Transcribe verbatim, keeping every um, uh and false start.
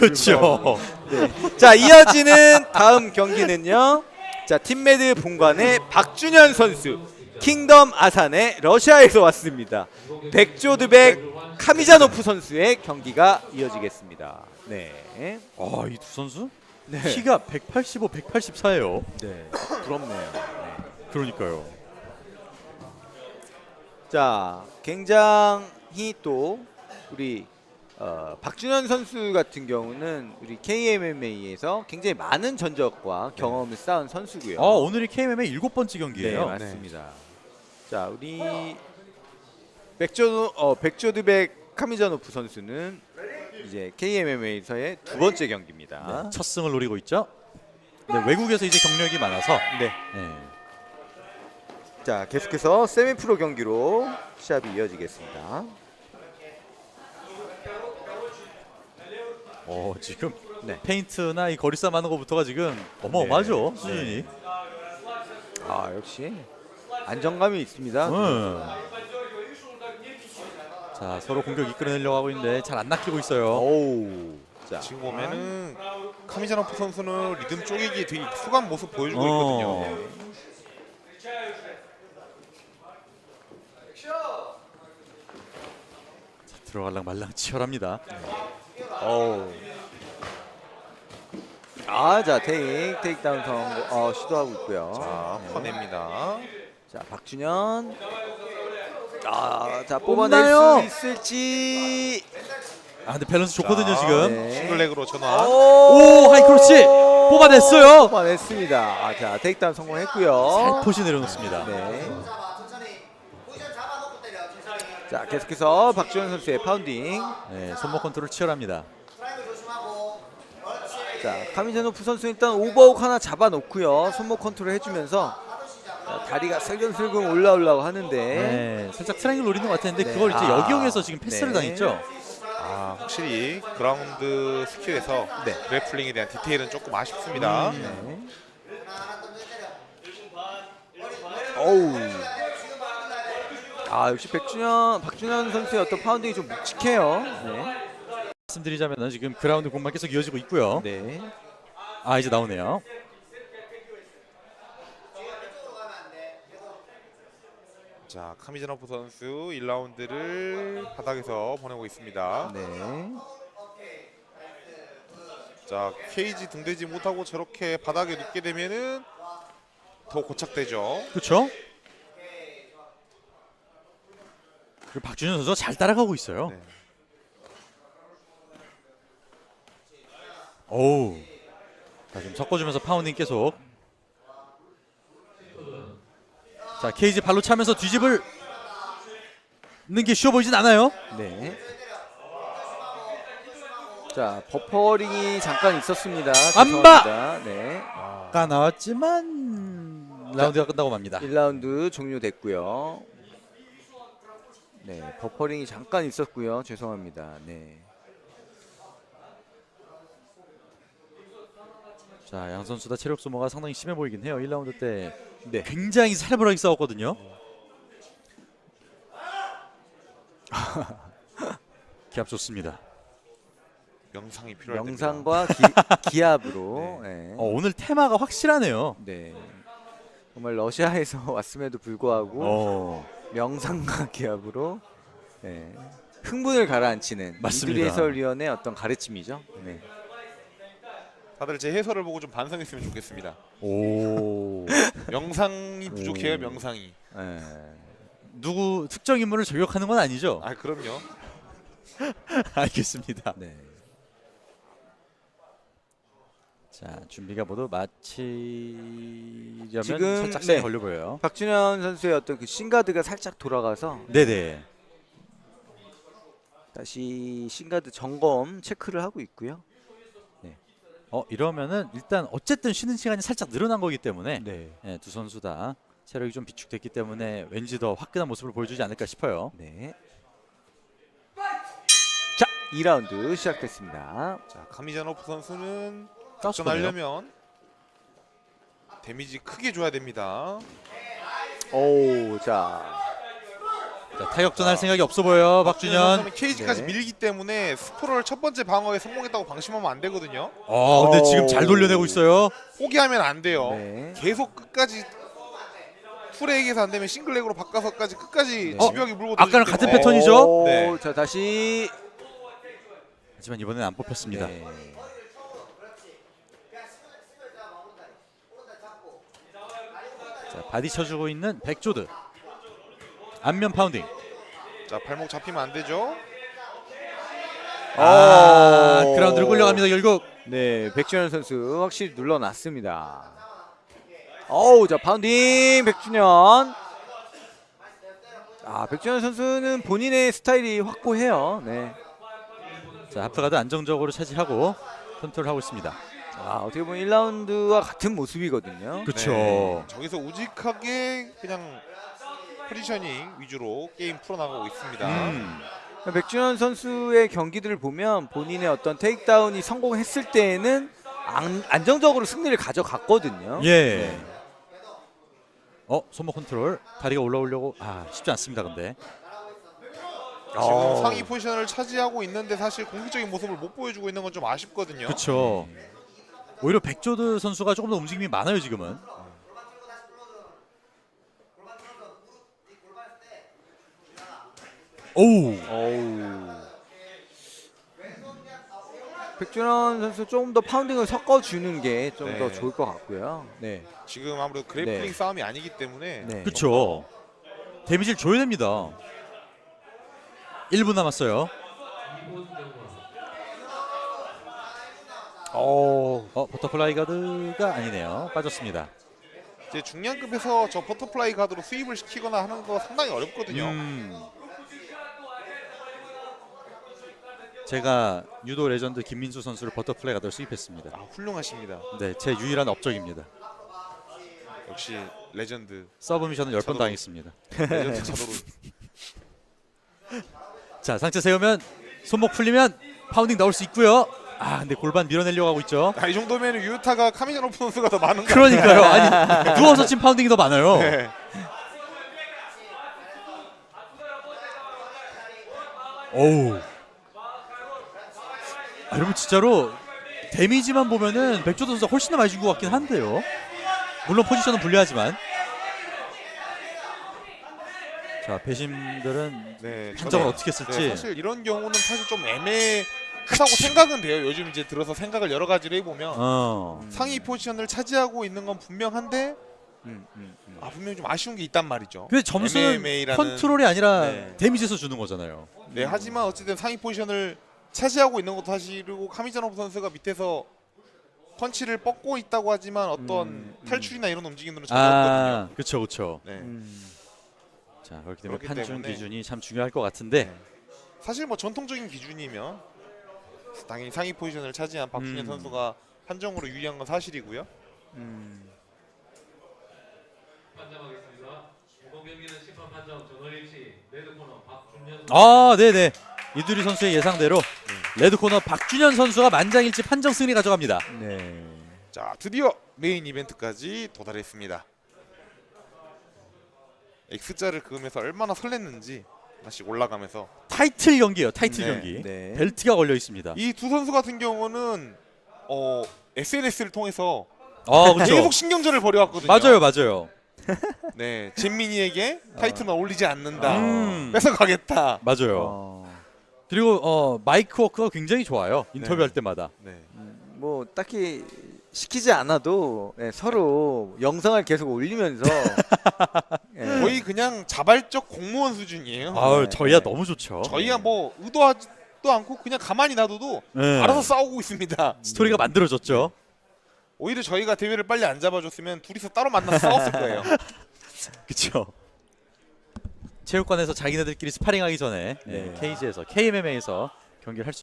그렇죠. 네. 자, 이어지는 다음 경기는요. 자, 팀메드 본관의 박준현 선수, 킹덤 아산의 러시아에서 왔습니다. 백조드백 카미자노프 선수의 경기가 이어지겠습니다. 네. 아, 이 두 선수 네. 키가 백팔십오, 백팔십사예요. 네. 부럽네요. 네. 그러니까요. 자, 굉장히 또 우리 어, 박준현 선수 같은 경우는 우리 케이엠엠에이에서 굉장히 많은 전적과 경험을 쌓은 선수고요. 아, 오늘이 케이엠엠의 일곱 번째 네, 경기예요. 맞습니다. 자, 우리 백조 어, 백조드백 카미자노프 선수는 이제 케이엠엠에이에서의 두 번째 경기입니다. 네, 첫 승을 노리고 있죠. 네, 외국에서 이제 경력이 많아서. 네. 네. 자, 계속해서 세미프로 경기로 시합이 이어지겠습니다. 어, 지금 네. 페인트나 이 거리싸움 하는 것부터가 지금 어마어마하죠. 네. 수준이. 네. 아, 역시 안정감이 있습니다. 음. 자, 서로 공격 이끌어내려고 하고 있는데 잘 안 낚이고 있어요. 오우. 자, 지금 보면은 카미자노프 선수는 리듬 쪼개기 되게 익숙한 모습 보여주고 어. 있거든요. 자, 들어갈랑 말랑 치열합니다. 어우. 아, 자, 테이크, 테이크다운 성공 어, 시도하고 있고요. 자, 퍼냅니다. 자, 박준현. 아, 자, 뽑나요? 뽑아낼 수 있을지. 아, 근데 밸런스 좋거든요, 자, 지금. 네. 싱글렉으로 전환. 오, 하이크로치 뽑아냈어요. 뽑아냈습니다. 아, 자, 테이크다운 성공했고요. 살포시 내려놓습니다. 네. 자, 계속해서 박준현 선수의 파운딩. 네, 손목 컨트롤 치열합니다. 자, 카미자노프 선수 일단 오버훅 하나 잡아놓고요. 손목 컨트롤 해주면서 자, 다리가 슬금슬금 올라오려고 하는데. 네, 살짝 트라이앵글 노리는 것 같았는데 네. 그걸 이제 아, 역이용해서 지금 패스를 네. 당했죠. 아, 확실히 그라운드 스킬에서 네. 그래플링에 대한 디테일은 조금 아쉽습니다. 음. 네. 어우. 아, 역시 백준현, 박준현 선수의 어떤 파운딩이 좀 묵직해요. 네. 말씀드리자면 지금 그라운드 공만 계속 이어지고 있고요. 네. 아, 이제 나오네요. 자, 카미자노프 선수 일 라운드를 바닥에서 보내고 있습니다. 네. 자, 케이지 등대지 못하고 저렇게 바닥에 눕게 되면은 더 고착되죠. 그렇죠? 그리고 박준현 선수가 잘 따라가고 있어요. 네. 오우. 자, 지금 섞어주면서 파운딩 계속. 자, 케이지 발로 차면서 뒤집을 는 게 쉬워 보이진 않아요. 네. 자, 버퍼링이 잠깐 있었습니다. 안 봐! 죄송합니다. 네. 아까 나왔지만 라운드가 끝나고 맙니다. 일 라운드 종료됐고요. 네, 버퍼링이 잠깐 있었고요. 죄송합니다. 네. 자, 양 선수 다 체력 소모가 상당히 심해 보이긴 해요. 일 라운드 때 네. 굉장히 살벌하게 싸웠거든요. 기합 좋습니다. 명상이 필요할 때입니다. 명상과 기, 기압으로. 네. 어, 오늘 테마가 확실하네요. 네. 정말 러시아에서 왔음에도 불구하고 어, 명상과 기압으로 네. 흥분을 가라앉히는 맞습니다. 이두리 해설위원의 어떤 가르침이죠. 네. 다들 제 해설을 보고 좀 반성했으면 좋겠습니다. 오. 명상이 부족해요, 오. 명상이. 네. 누구 특정 인물을 저격하는 건 아니죠? 아, 그럼요. 알겠습니다. 네. 자, 준비가 모두 마치려면 지금, 살짝 시간이 네. 걸려 보여요. 박준현 선수의 어떤 그 신가드가 살짝 돌아가서 네네. 다시 신가드 점검 체크를 하고 있고요. 어, 이러면은 일단 어쨌든 쉬는 시간이 살짝 늘어난 거기 때문에 네. 예, 두 선수 다 체력이 좀 비축됐기 때문에 왠지 더 화끈한 모습을 보여주지 않을까 싶어요. 네. 자, 이 라운드 시작됐습니다. 자, 카미자노프 선수는 가스 거네요. 접전하려면 데미지 크게 줘야 됩니다. 오, 자. 자, 타격전 할 생각이 없어 보여 박준현. 케이지까지 네. 밀기 때문에 스포럴 첫 번째 방어에 성공했다고 방심하면 안 되거든요. 어, 근데 지금 잘 돌려내고 있어요. 포기하면 안 돼요. 네. 계속 끝까지 풀에이에서 안 되면 싱글렉으로 바꿔서까지 끝까지 네. 집요하게 물고 아까랑 들어주기 같은 때문에 패턴이죠? 오, 네. 자 다시. 하지만 이번엔 안 뽑혔습니다. 네. 자, 바디 쳐주고 있는 백조드. 안면 파운딩. 자 발목 잡히면 안 되죠. 아, 오. 그라운드를 끌려갑니다 결국. 네, 백준현 선수 확실히 눌러놨습니다. 어우, 자 파운딩 백준현. 아, 백준현 선수는 본인의 스타일이 확고해요. 네. 자, 하프가드 안정적으로 차지하고 컨트롤하고 있습니다. 아, 어떻게 보면 일 라운드와 같은 모습이거든요. 그렇죠. 네. 저기서 우직하게 그냥 포지셔닝 위주로 게임 풀어나가고 있습니다. 음. 백준현 선수의 경기들을 보면 본인의 어떤 테이크다운이 성공했을 때에는 안, 안정적으로 승리를 가져갔거든요. 예. 어, 손목 컨트롤. 다리가 올라오려고 아, 쉽지 않습니다. 근데. 지금 어. 상위 포지션을 차지하고 있는데 사실 공격적인 모습을 못 보여주고 있는 건 좀 아쉽거든요. 그렇죠. 오히려 백조드 선수가 조금 더 움직임이 많아요, 지금은. 오우. 어우. 백준현 선수 조금 더 파운딩을 섞어주는 게 좀 더 네. 좋을 것 같고요. 네. 지금 아무래도 그래플링 네. 싸움이 아니기 때문에 네. 그렇죠. 데미지를 줘야 됩니다. 일 분 남았어요. 어. 어, 버터플라이 가드가 아니네요. 빠졌습니다. 이제 중량급에서 저 버터플라이 가드로 수입을 시키거나 하는 거 상당히 어렵거든요. 음. 제가 유도 레전드 김민수 선수를 버터플라이 가드로 수입했습니다. 아, 훌륭하십니다. 네, 제 유일한 업적입니다. 역시 레전드. 서브미션을 열 번 저도- 당했습니다. 레전드 차도로. 자, 상체 세우면 손목 풀리면 파운딩 나올 수 있고요. 아, 근데 골반 밀어내려고 하고 있죠. 아, 이 정도면 유타가 카미자노프 선수가 더 많은 거 그러니까요. 아니, 누워서 친 파운딩이 더 많아요. 네. 어우. 아, 여러분 진짜로 데미지만 보면은 백조도 선수가 훨씬 더 많이 준 것 같긴 한데요. 물론 포지션은 불리하지만. 자, 배심들은 네, 판정을 저는- 어떻게 쓸지. 네, 사실 이런 경우는 사실 좀 애매하다고 생각은 돼요. 요즘 이제 들어서 생각을 여러 가지로 해보면 어. 상위 포지션을 차지하고 있는 건 분명한데 음, 음, 음. 아, 분명히 좀 아쉬운 게 있단 말이죠. 근데 점수는 엠엠에이라는 컨트롤이 아니라 네. 데미지에서 주는 거잖아요. 네, 하지만 어쨌든 상위 포지션을 차지하고 있는 것도 사실이고 카미자노프 선수가 밑에서 펀치를 뻗고 있다고 하지만 어떤 음, 음. 탈출이나 이런 움직임들은 전혀 없거든요. 아, 그렇죠, 그렇죠. 네. 음. 자, 그렇기 때문에 그렇기 판중 때문에- 기준이 참 중요할 것 같은데. 네. 사실 뭐 전통적인 기준이면 당연히 상위 포지션을 차지한 박준현 음. 선수가 판정으로 유리한 건 사실이고요. 음. 판정하겠습니다. 이번 경기는 심판 판정 전원일 씨 레드 코너 박준현 선수. 아, 네네. 이두리 선수의 예상대로 레드 코너 박준현 선수가 만장일치 판정 승리 가져갑니다. 네. 자, 드디어 메인 이벤트까지 도달했습니다. X자를 그으면서 얼마나 설렜는지 하나씩 올라가면서 타이틀 경기예요. 타이틀 네, 경기. 네. 벨트가 걸려 있습니다. 이 두 선수 같은 경우는 어, 에스엔에스를 통해서 아, 그렇죠. 계속 신경전을 벌여왔거든요. 맞아요, 맞아요. 네, 잼민이에게 타이틀만 올리지 않는다. 음. 뺏어가겠다. 맞아요. 어. 그리고 어, 마이크 워크가 굉장히 좋아요. 인터뷰할 네. 때마다. 네. 뭐 딱히 시키지 않아도 네, 서로 영상을 계속 올리면서 예. 거의 그냥 자발적 공무원 수준이에요. 아우, 네, 저희야 네. 너무 좋죠. 저희가 뭐 의도하지도 않고 그냥 가만히 놔둬도 네. 알아서 싸우고 있습니다. 스토리가 만들어졌죠. 오히려 저희가 대회를 빨리 안 잡아줬으면 둘이서 따로 만나서 싸웠을 거예요. 그렇죠. 체육관에서 자기네들끼리 스파링하기 전에 네. 케이지에서 케이엠엠에이에서 경기를 할 수